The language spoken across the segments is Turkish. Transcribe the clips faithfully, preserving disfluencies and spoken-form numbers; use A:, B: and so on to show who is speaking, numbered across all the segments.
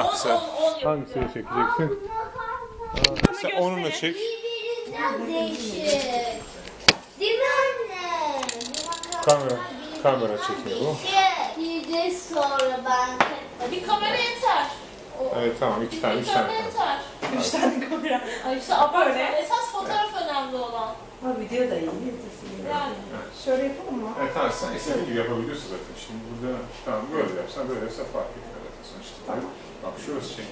A: Ah, sen
B: Hangisini çekeceksin?
A: sen onunla çek.
C: Birbirinden değişik. Değil mi anne?
A: Kamera, kamera çekiyor bu.
C: Bir de sonra ben...
D: Bir kamera yeter.
A: Evet tamam, iki tane, üç
D: Bir
A: tane.
D: kamera yeter.
E: Üç tane kamera.
D: Ay işte abartma. Esas fotoğraf önemli olan.
E: Ha video da iyi. Yetersin.
D: Yani.
E: Şöyle yapalım mı?
A: Evet tamam, sen istediğin gibi yapabiliyorsun zaten. Şimdi burada, tamam böyle yapsan, böyle yapsan fark etmiyor zaten sonuçta.
E: Tamam.
A: Bak şurası çek.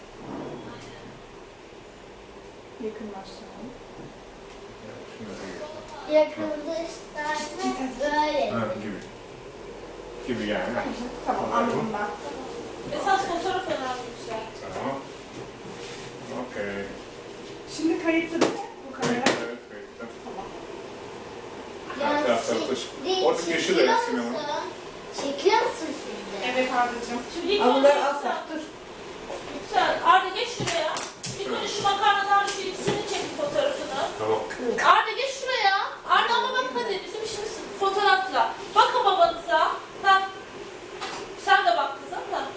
E: Yakınlaştıralım.
A: Şunları da geç.
C: Yakınlaştırma böyle.
A: Ha, gibi. Gibi yani. ha.
E: Tamam anladım ben.
D: Esas fotoğraf önemli işte.
A: Tamam. Okey.
E: Şimdi kayıtlı değil mi bu kamera?
A: Evet, kayıtta.
E: Tamam.
A: Her tarafları taşı. Orada yeşil de resim ama.
C: Çekiyor musun şimdi?
E: Evet Arda'cığım.
D: Şimdi ilk
E: Ama bunları
D: önce
E: alsak dur.
D: Güzel. Arda geç şuraya. İlk önce şu makarnadan şu ikisini çek bir fotoğrafını.
A: Tamam.
D: Arda geç şuraya. Arda ama bak hadi bizim işimiz fotoğrafla. Bakın babanıza. Ha. Sen de bak kızım da.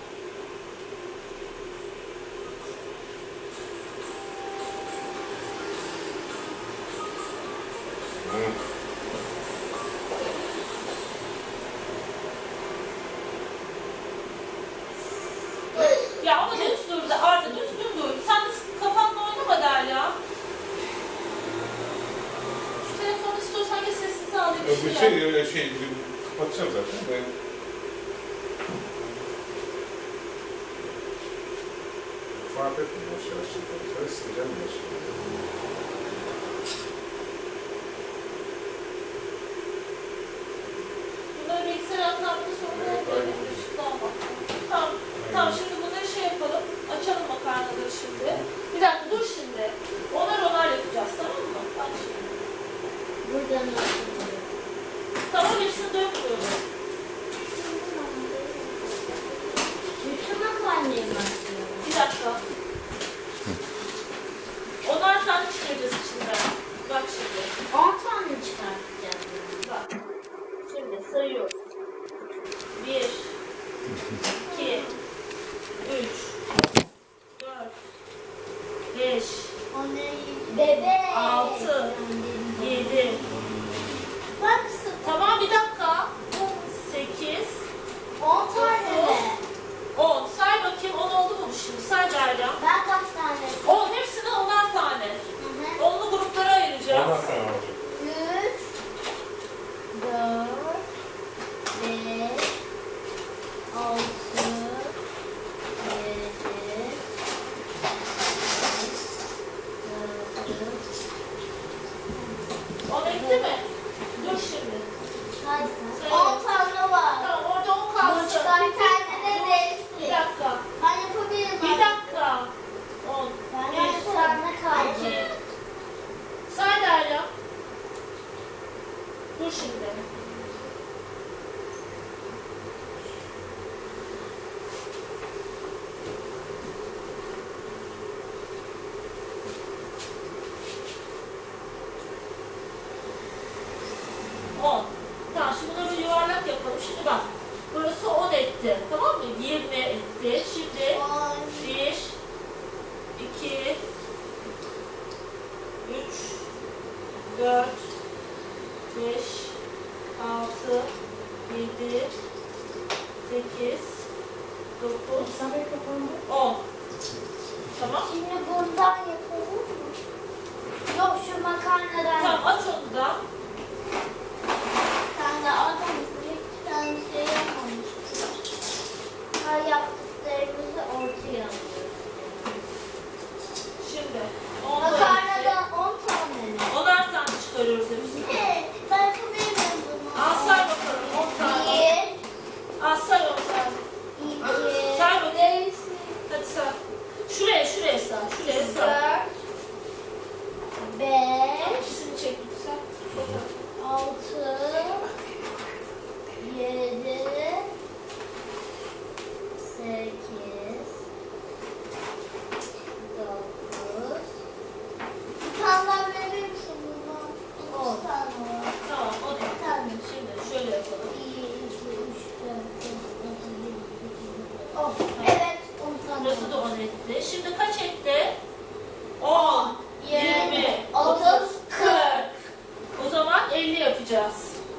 A: Hı.
D: Ya ama düz dur da Arda düzgün dur. Sen de kafanla oynama der ya. Şu telefonu istiyorsan geç sessize al
A: Yok,
D: bir
A: bir
D: şey.
A: şey, öyle şey, kapatacağım zaten. Ben... Fark etmiyor, yavaş yavaş çekelim. Sen isteyeceğim yavaş yavaş.
D: Bunları bilgisayar atlattığı sonra
A: Evet,
D: benim
A: aynen.
D: ışıklı almak. Tamam. Tamam şimdi bunları şey yapalım. Açalım makarnaları şimdi. Bir dakika dur şimdi. Onar onar yapacağız tamam mı? Bak şimdi.
C: Buradan nasıl?
D: Tamam hepsini dökmüyoruz.
C: Bütün makarnayı mı açıyorum?
D: Bir dakika. Onar tane çıkaracağız içinden. Bak şimdi.
C: On tane çıkartacağız.
D: Bak. Şimdi sayıyoruz. Bir, iki, üç, dört, beş,
C: Bebek.
D: Altı. yedi.
C: Bak
D: Tamam bir dakika. sekiz,
C: on tane mi?
D: on. Say bakayım on oldu mu şimdi? Say Derya.
C: Ben kaç tane?
D: on hepsine onar tane.
C: Hı hı.
D: Onlu gruplara ayıracağız.
A: Ondan sonra olacak.
C: Üç, dört, beş, altı, yedi, sekiz,
D: on etti mi? Dur şimdi.
C: kaç? On tane var.
D: Tamam orada on
C: Bu
D: kalsın.
C: çıkan kendine
D: Bir
C: değilsin.
D: dakika.
C: Ben yapabilirim.
D: Bir dakika. on.
C: Ben
D: bir,
C: bir tane kaldı.
D: iki. Say Derya. Dur şimdi. on. Tamam şimdi bunları bir yuvarlak yapalım. Şimdi bak. Burası on etti. Tamam mı? yirmi etti. Şimdi
C: On.
D: bir, iki, üç, dört, beş, altı, yedi, sekiz, dokuz,
E: Sabah kapandı.
D: on. Tamam.
C: Şimdi bundan yapalım mı? Yok şu makarnadan.
D: Tamam aç onu da.
C: Sen de adamısın. Hiç tane şey yapmamışsın. Her yaptıklarımızı ortaya alıyoruz.
D: Şimdi on
C: Makarnadan on tane mi?
D: onar tane çıkarıyoruz hepsini.
C: Ne? Ben yapabilirim bunu.
D: Al say bakalım on tane.
C: Bir,
D: Al say on tane.
C: iki,
D: Say bakayım.
C: beş,
D: Hadi say. Şuraya şuraya say. Şuraya say.
C: dört, beş,
D: İkisini çek lütfen.
C: altı,
D: Burası da on etti. Şimdi kaç etti? on, yirmi,
C: otuz,
D: otuz, kırk. O zaman elli yapacağız.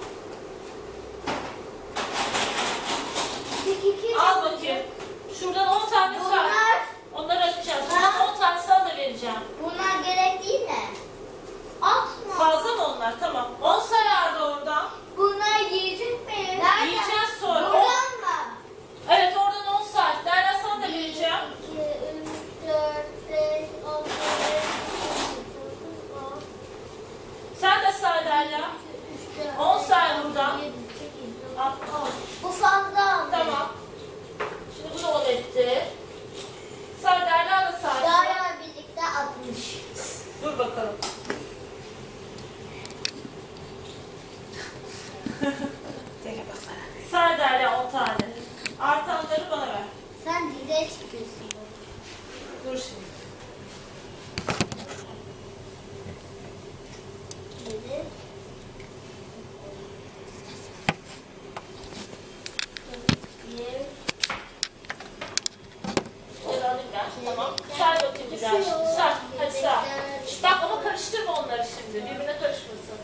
D: Al bakayım. Şuradan on tane say.
C: Bunlar,
D: Onları açacağız. Bundan on tane sana da vereceğim.
C: bunlar gerek değil mi? Atma.
D: Fazla mı onlar? Tamam. on sayardı oradan.
C: Bunlar yiyecek mi?
D: Yiyeceğiz sonra.
C: Buradan mı?
D: Evet oradan on say. Derya sana da vereceğim.
C: iki, üç, dört, beş, altı,
D: Sen de say Derya. on say buradan. Al.
C: Bu fazla oldu.
D: Tamam. Şimdi bu da on etti. Say Derya da say.
C: Daha birlikte altmış.
D: Dur bakalım. Say Derya on tane. Artanları bana ver.
C: Sen dize çıkıyorsun.
D: Dur şimdi.
C: Yedi. Bir.
D: Gel alayım ben. Tamam. Say bakayım bir daha şimdi. Say. Hadi say. Şşt, bak ama karıştırma onları şimdi. Birbirine karışmasın.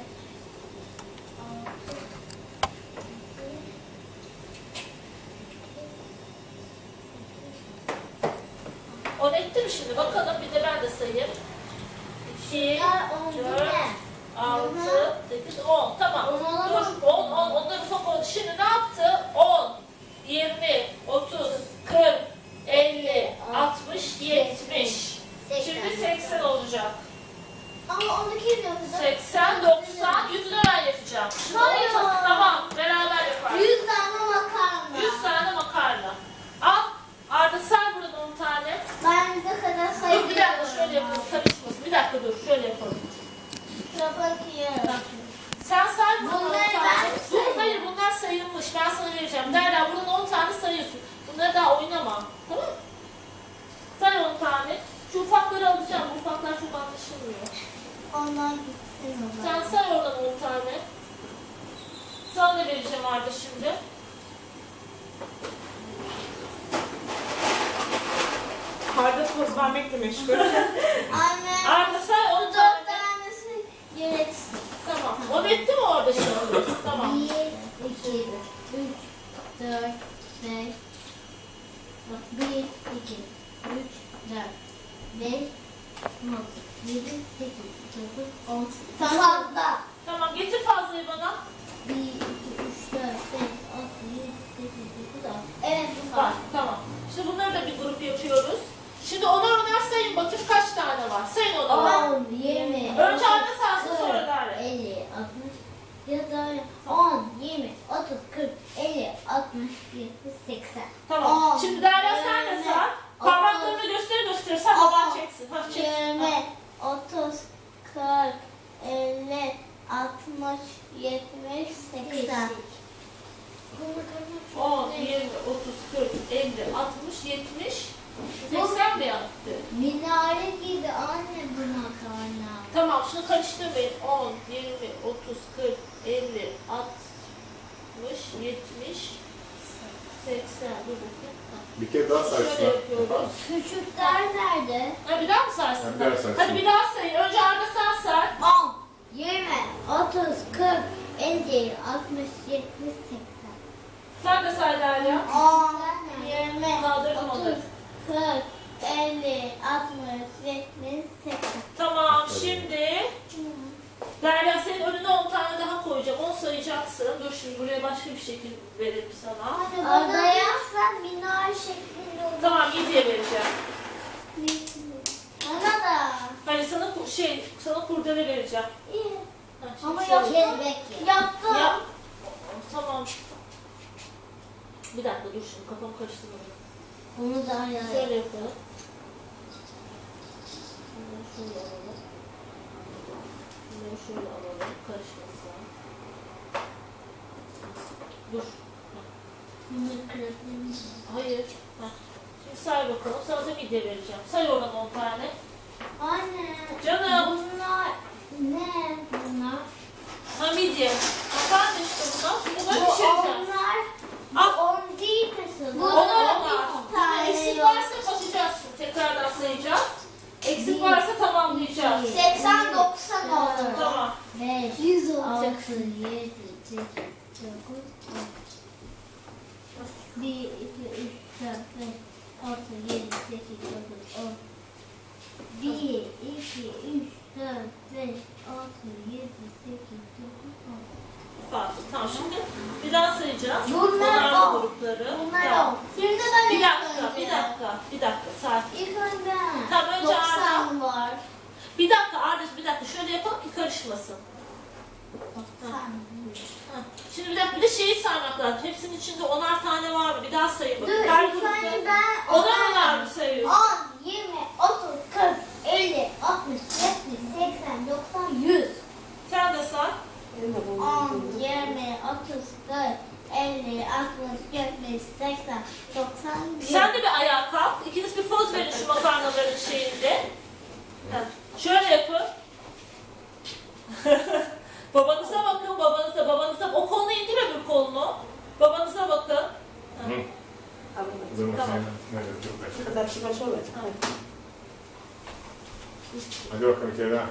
D: On etti mi şimdi? Bakalım bir de ben de sayayım. iki,
C: Bunlar on değil
D: dört,
C: mi?
D: altı, sekiz, on. Tamam.
C: On olamaz.
D: Dur. on, on. Onları ufak oldu. Şimdi ne yaptı? on, yirmi, otuz, kırk, elli, altmış, yetmiş. Şimdi seksen olacak.
C: Ama onu kim yapacak?
D: seksen, doksan, yüzünü ben yapacağım. Şimdi
C: Hayır.
D: onu- Tamam. Beraber yaparız.
C: Yüz tane makarna.
D: yüz tane makarna. Al. Arda say buradan on tane.
C: Ben ne kadar
D: Dur
C: sayıyorum.
D: bir dakika şöyle yapalım. Karışmasın. Bir dakika dur. Şöyle yapalım.
C: Şuna bakıyorum.
D: Sen say buradan on
C: Bunları
D: tane.
C: ben
D: Dur
C: sayayım.
D: hayır bunlar sayılmış. Ben sana vereceğim. Derya buradan on tane sayıyorsun. Bunları daha oynama. Tamam mı? Say on tane. Şu ufakları alacağım. Bu ufaklar çok anlaşılmıyor.
C: Onlar gitsin
D: Sen
C: onlar.
D: say oradan on tane. Sana da vereceğim Arda şimdi.
E: Arda poz vermekle meşgul.
C: Anne.
D: Arda say on
C: Bu
D: tane.
C: dört tanesi gereksiz.
D: Tamam. On etti mi orada şimdi? Tamam.
C: Bir, iki, üç, dört, beş. Bir, iki, üç, dört, beş, altı, yedi, sekiz, dokuz, on. Tamam da.
D: Tamam getir fazlayı bana.
C: Bir, iki, üç, dört, beş, altı, yedi, sekiz, dokuz, on. Evet bu
D: Var.
C: var.
D: Tamam. Şimdi bunları da bir grup yapıyoruz. Şimdi onar onar sayın bakayım kaç tane var. Sayın onar.
C: on, yirmi.
D: Önce Arda saysın sonra Derya.
C: elli, altmış, ya da on, yirmi, otuz, kırk, elli, altmış, yetmiş, seksen.
D: Tamam.
C: On,
D: Şimdi Derya sen de
C: yirmi,
D: say.
C: otuz,
D: Parmaklarını göster göster. Sen baban
C: on,
D: çeksin. Ha çek.
C: yirmi, otuz, kırk, elli, altmış, yetmiş, seksen.
D: on, yirmi, otuz, kırk, elli, altmış, yetmiş, seksen mi yaptı?
C: Minare gibi anne bu makarna.
D: Tamam şunu karıştırmayın. on, yirmi, otuz, kırk, elli, altmış, yetmiş, seksen. Dur bakayım.
A: Bir kere daha say
D: Şöyle
A: şuna.
D: yapıyoruz.
C: Küçükler nerede?
D: Ha bir daha mı saysın?
A: Ha, bir daha saysın.
D: Hadi bir daha sayın. Önce Arda sen say.
C: on, yirmi, otuz, kırk, elli, altmış, yetmiş, seksen.
D: Sen de say Derya.
C: on, yirmi,
D: Kaldırdım
C: otuz,
D: onu.
C: kırk, elli, altmış, yetmiş, seksen.
D: Tamam şimdi Derya senin önüne on tane daha koyacağım. on sayacaksın. Dur şimdi buraya başka bir şekil verelim sana.
C: Adaya sen minare şeklinde olur.
D: Tamam yediye vereceğim.
C: Bana da.
D: Hani sana ku- şey, sana kurdele vereceğim.
C: İyi.
D: Ha, şimdi
C: Ama
D: şöyle.
C: yaptım. Yaptım.
D: Yap. Tamam. Bir dakika dur şimdi kafam karıştırmadı.
C: Onu da
D: Şöyle
C: ayarlayalım.
D: yapalım. Bunları şöyle alalım. Bunları şöyle alalım. Karışmasın. Dur.
C: Bunu kırabilirim.
D: Hayır. Heh. Şimdi say bakalım. Sana da midye vereceğim. Say oradan on tane.
C: Anne.
D: Canım.
C: Bunlar ne bunlar?
D: Ha midye. Makarna işte bunlar. Şimdi bunları
C: Bu
D: pişireceğiz.
C: onlar.
D: Al.
C: On değil mesela.
D: Bu onlar onlar.
C: tane
D: Eksik
C: yok.
D: varsa
C: bir, iki, üç, dört, beş, altı, yedi, sekiz, dokuz, on. bir, iki, üç, dört, beş, altı, yedi, sekiz, dokuz, on.
D: Farklı. Tamam şimdi bir daha sayacağız.
C: Bunlar
D: Onarlı
C: on.
D: grupları.
C: Bunlar
D: Tamam.
C: on. Şimdi ben
D: Bir
C: ilk
D: dakika,
C: önce-
D: bir dakika, bir dakika, sakin.
C: İlk önce
D: Tamam, önce
C: doksan var.
D: Bir dakika Arda, bir dakika. Şöyle yapalım ki karışmasın.
C: doksan.
D: Heh. Şimdi bir dakika, bir de şeyi saymak lazım. Hepsinin içinde onar tane var mı? Bir daha sayın
C: Dur,
D: bakın. Her
C: ilk önce
D: grupta
C: ben
D: onar onar mı sayıyoruz?
C: on, yirmi, otuz, kırk, elli, altmış, yetmiş, seksen, doksan, yüz.
D: Sen de say.
C: on, yirmi, otuz, kırk, elli, altmış, yetmiş, seksen, doksan, yüz.
D: Sen de bir ayağa kalk. İkiniz bir poz verin şu makarnaların şeyinde. Heh. Şöyle yapın. Babanıza bakın, babanıza, babanıza. O kolunu indir öbür kolunu. Babanıza bakın.
A: Hı. Dur
D: Tamam.
A: bakayım. Evet, dur bekle.
E: Kadar çıkar şöyle.
A: Hadi bakalım bir kere daha.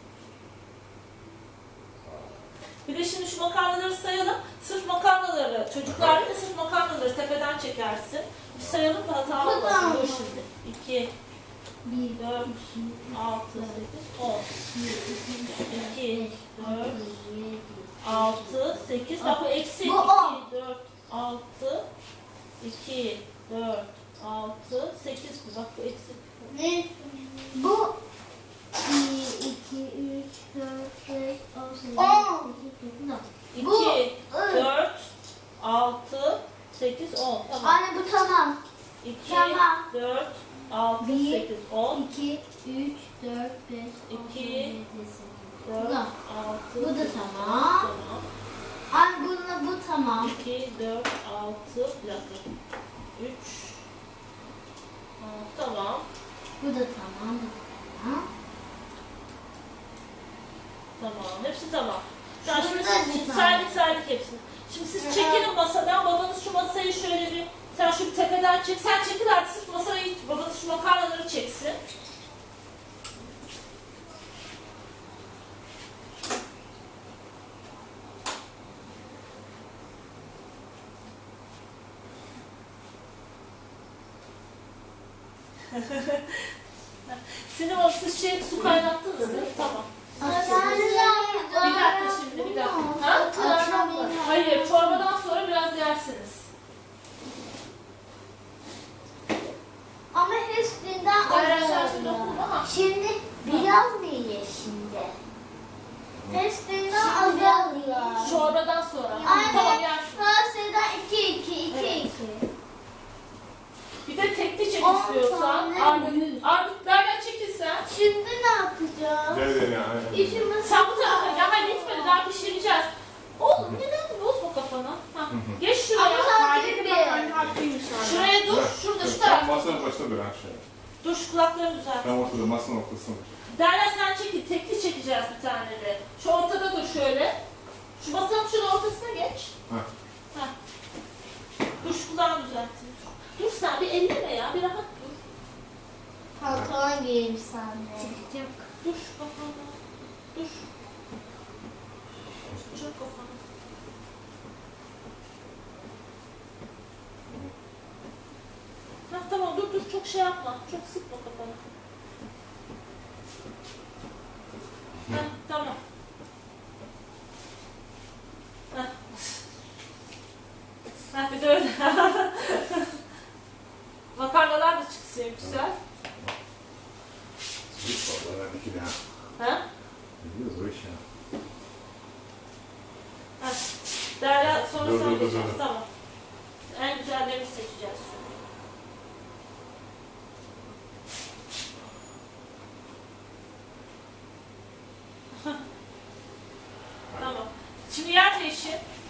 D: Bir de şimdi şu makarnaları sayalım. Sırf makarnaları, çocuklar da sırf makarnaları tepeden çekersin. Bir sayalım da hata olmasın.
C: Tamam.
D: Dur şimdi. iki,
C: bir,
D: dört, altı, sekiz, on. iki, dört, altı, sekiz. Bak bu eksi.
C: Bu on.
D: iki, dört, altı, iki, dört, altı, sekiz. Bak bu eksi.
C: Ne? Bu bir, iki, üç, dört, beş, altı, yedi, sekiz, dokuz, on. Bu,
D: iki,
C: ı.
D: dört, altı, sekiz, on. Tamam.
C: Anne bu tamam.
D: iki,
C: Tamam.
D: dört, altı,
C: Bir,
D: sekiz, on.
C: iki, üç, dört, beş, altı,
D: İki,
C: yedi, sekiz,
D: dört,
C: dokuz, on.
D: altı,
C: Bu da
D: sekiz,
C: tamam.
D: Tamam.
C: Anne bununla bu tamam.
D: iki, dört, altı, bir dakika. üç, tamam.
C: Bu da tamam. Bu da tamam.
D: Tamam. Hepsi tamam. Ya şimdi
C: Şurada
D: siz
C: bir tane.
D: saydık saydık hepsini. Şimdi siz çekilin masadan. Babanız şu masayı şöyle bir, sen şu bir tepeden çek. Sen çekil artık, siz masayı, babanız şu makarnaları çeksin. Sinem Hanım, siz şey, su kaynattınız değil mi? Tamam. Bir dakika şimdi, bir dakika. Ha? Hayır, çorbadan sonra biraz yersiniz.
C: Ama hepsinden
D: Bayağı sen şimdi
C: azalıyor.
D: okudun ama.
C: Şimdi biraz mı ye şimdi? Hepsinden azalıyor.
D: Çorbadan sonra. Tamam
C: Anne,
D: yer.
C: Fransa'dan iki, iki, iki,
D: Evet.
C: iki.
D: Bir de tekli çek
C: On
D: istiyorsan.
C: tane
D: Armut,
C: yüz.
D: Armut nereden çekilsen.
C: Şimdi ne yapacağız?
A: Gel gel ya.
C: İşimiz
D: Sen bu tarafa gel. Hayır gitmedi, daha pişireceğiz. Oğlum neden bozma kafanı? Ha. Geç şuraya.
C: Ama sen
E: Halide
C: bir
E: bak anne haklıymış abi.
D: Şuraya dur. Şurada şu tarafta.
A: Masanın başında dur ha şöyle.
D: Dur şu kulaklarını düzelt.
A: Tam ortada, masanın ortasında.
D: Derya sen çekil. Tekli çekeceğiz bir tane de. Şu ortada dur şöyle. Şu masanın şunun ortasına geç.
A: Ha.
D: Ha. Dur şu kulağını düzelttin. Dur sen bir elleme ya. Bir rahat dur.
C: pantolon giyeyim sen de.
D: Dur kafana. Dur. Çok kafana. Ha tamam dur dur çok şey yapma. Çok sıkma kafanı. Ha tamam. Ha. Ha bir de öyle. Makarnalar da çıksın güzel.
A: Hiç vallahi ben iki daha.
D: Ha?
A: Biliyoruz o iş ya.
D: Ha. Derya sonra
A: Dur,
D: sen
A: dur, dur,
D: geçeceğiz.
A: dur.
D: Tamam. En güzellerini seçeceğiz şimdi. Tamam. Şimdi yer değişir.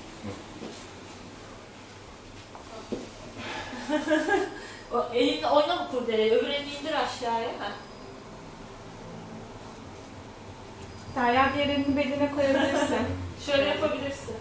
D: O elinle oynama kurdeleyi, öbür elini indir aşağıya. Ha.
E: Derya diğer elini beline koyabilirsin.
D: Şöyle yapabilirsin.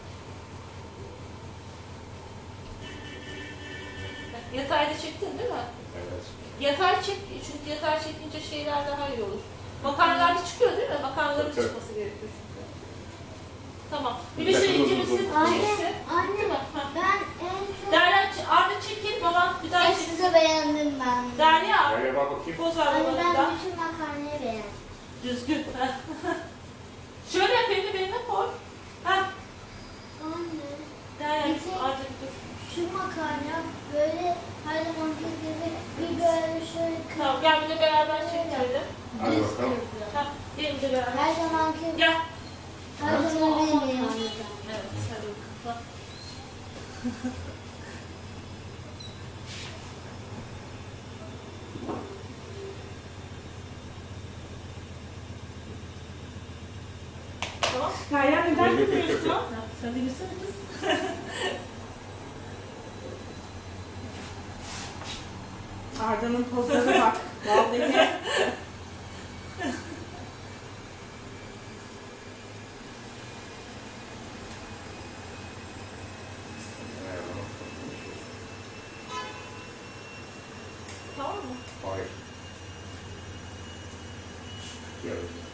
D: Yatayda çektin değil mi?
A: Evet.
D: Yatay çek, çünkü yatay çekince şeyler daha iyi olur. Makarnalar da çıkıyor değil mi? Makarnaların
A: Tabii.
D: çıkması gerekiyor çünkü. Tamam. Birisi ikimizin
C: Anne,
D: birisi.
C: anne,
D: Değil mi? Ha.
C: ben en çok
D: Derya, Arda çekil, baban bir daha çekil.
C: hepsini beğendim ben.
D: Derya,
A: Derya bak bakayım.
D: poz ver
C: Anne
D: babanın da.
C: ben bütün makarnayı beğendim.
D: Düzgün. Şöyle yap, elini beline koy. Ha.
C: Anne,
D: Derya,
C: Bir tek-
D: Arda dur.
C: şu makarna böyle her zamanki gibi bir böyle şöyle
D: Tamam,
C: kırk.
D: gel bir de beraber çekelim.
A: Hadi
C: Düz
A: bakalım.
C: kırk.
D: Ha, gelin de beraber.
C: Her zamanki,
D: Gel.
C: her zaman benim beğendim.
D: Evet, hadi bakalım. Tamam.
E: Derya neden
A: Yok, yok, yok,
E: gülüyorsun?
A: yok.
D: Sen de gülsene kız.
E: Arda'nın pozlarına bak. Vallahi.
D: Tamam mı?
A: Hayır. Gel.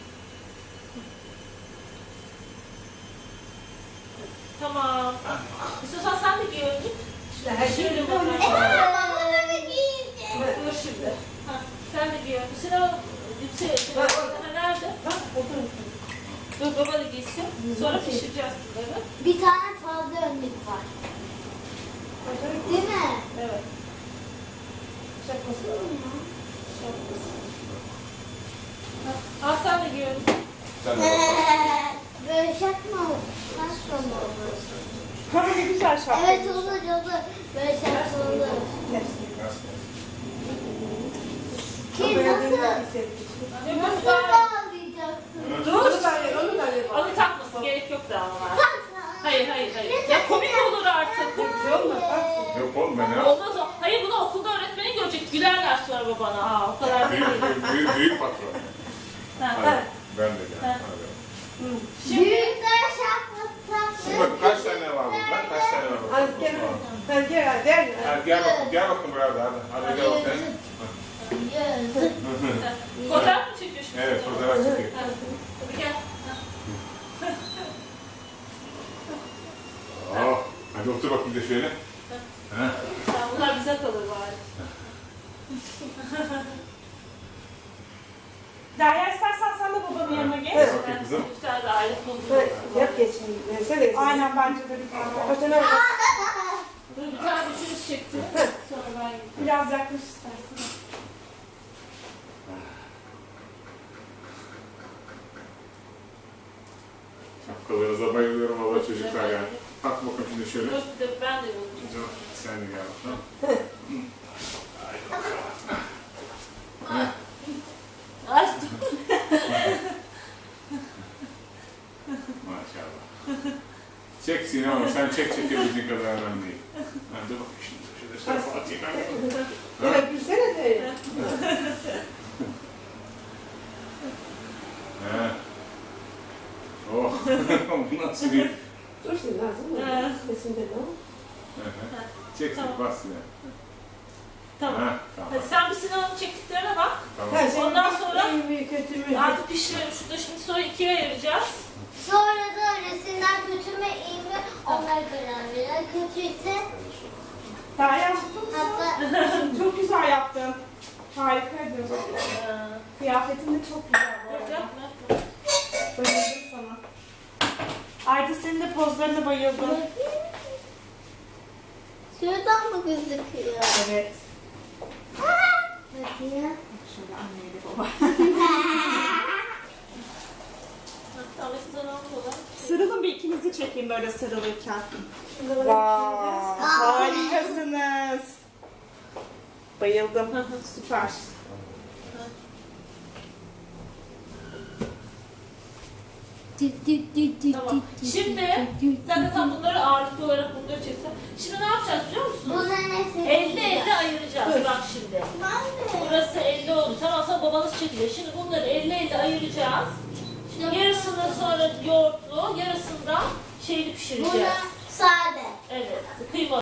D: Tamam. İstiyorsan sen de giy önce.
E: Her şey
D: Şöyle
E: bir
D: bakalım.
C: Bunu giyeceğim.
D: Dur şimdi. Ha, sen de giy önce. Sen o yüksek. Ha, nerede? Dur baba da giysin. Sonra pişireceğiz bunları.
C: Bir tane fazla önlük var. Değil mi?
D: Evet. Ha, al sen de giy önce.
A: Sen de bakalım.
C: Böyle şak mı olur? Şak mı olur?
E: Ha ne güzel şapka.
C: Evet olur olur. Böyle şak olur. Kim nasıl? Nasıl bağlayacaksın?
D: Dur. Onu takmasın. Gerek yok daha ama. Hayır hayır hayır. Ya komik olur artık.
A: Yok oğlum ben ya.
D: Olmaz o. Hayır bunu okulda öğretmenin görecek. Gülerler sonra babana. Aa o kadar değil.
A: Büyük, büyük, büyük patron.
D: Ha,
A: Hadi. Ben de gel.
D: Ha.
A: Hadi.
D: Şimdi
C: Büyükler şapka
A: Şimdi bak kaç tane var burada? Kaç tane var burada?
F: Hadi gel. Hadi gel hadi gel.
A: Hadi gel bakın, gel bakın beraber hadi. Hadi gel bakın.
D: fotoğraf mı çekiyor şimdi?
A: Evet, fotoğraf çekiyor.
D: Ha, hadi gel.
A: Oh, hadi otur bakayım de şöyle. Ha.
D: Ha, bunlar bize kalır bari.
E: Derya istersen sen de babanın yanına geç.
F: Evet.
A: Bakayım kızım.
D: Bir tane de aile pozu.
F: Hadi, yap geçin. Versene geçin.
E: Aynen bence de bir tane.
F: Kaç tane var?
D: Dur bir tane üçümüz çekti. Sonra ben gideyim.
E: Biraz yaklaş istersen.
A: Şapkalarınıza bayılıyorum valla çocuklar ya. Kalk bakalım şimdi şöyle.
D: Dur bir de ben de yolayım.
A: Dur, sen de gel bakalım.
D: Ay dur.
A: Maşallah. Çek Sinem, sen çek çekebildiğin kadar önemli değil. Ha, dur bakayım şimdi. Şöyle şöyle atayım ben.
F: Öyle gülsene de.
A: He. Oh, bu nasıl bir...
F: Dur şimdi lazım mı?
D: Ha.
F: Sesinde ne o?
A: Çek,
D: Tamam.
A: bas Sinem.
D: Tamam.
A: Ha, tamam.
D: Hadi sen bir Sinan'ın çektiklerine bak.
A: Tamam.
F: Ha, senin
D: Ondan sonra-
F: iyi mi kötü mü?
D: Artık pişirelim. Şurada şimdi sonra ikiye ayıracağız.
C: Sonra da resimler kötü mü iyi mi onlar karar verir. Kötüyse
E: Derya mutlu musun?
C: hatta
E: Çok güzel yaptın. Harikaydın.
D: Ee,
E: Kıyafetin de çok güzel bu
D: yok,
E: arada.
D: yapma, yapma.
E: Bayıldım sana. Arda senin de pozlarına bayıldım.
C: şuradan mı gözüküyor?
E: Evet.
C: Bakayım.
E: Şöyle anneyle baba.
D: Tamam, Sinan'ın olan.
E: Sarılın bir ikinizi çekeyim böyle sarılırken.
F: Şimdi böyle
E: Vay, harikasınız. Bayıldım. Süper.
D: Tamam. Şimdi zaten tam bunları ağırlıklı olarak bunları çeksen. Şimdi ne yapacağız biliyor musunuz?
C: Bunların hepsini
D: elli elli ayıracağız bak şimdi.
C: Ben de.
D: Burası elli oldu. Tamam sonra babanız çekiyor. Şimdi bunları elli elli ayıracağız. Şimdi yarısını sonra yoğurtlu, yarısını da şeyli
C: Buna
D: pişireceğiz.
C: sade.
D: Evet. Kıyma.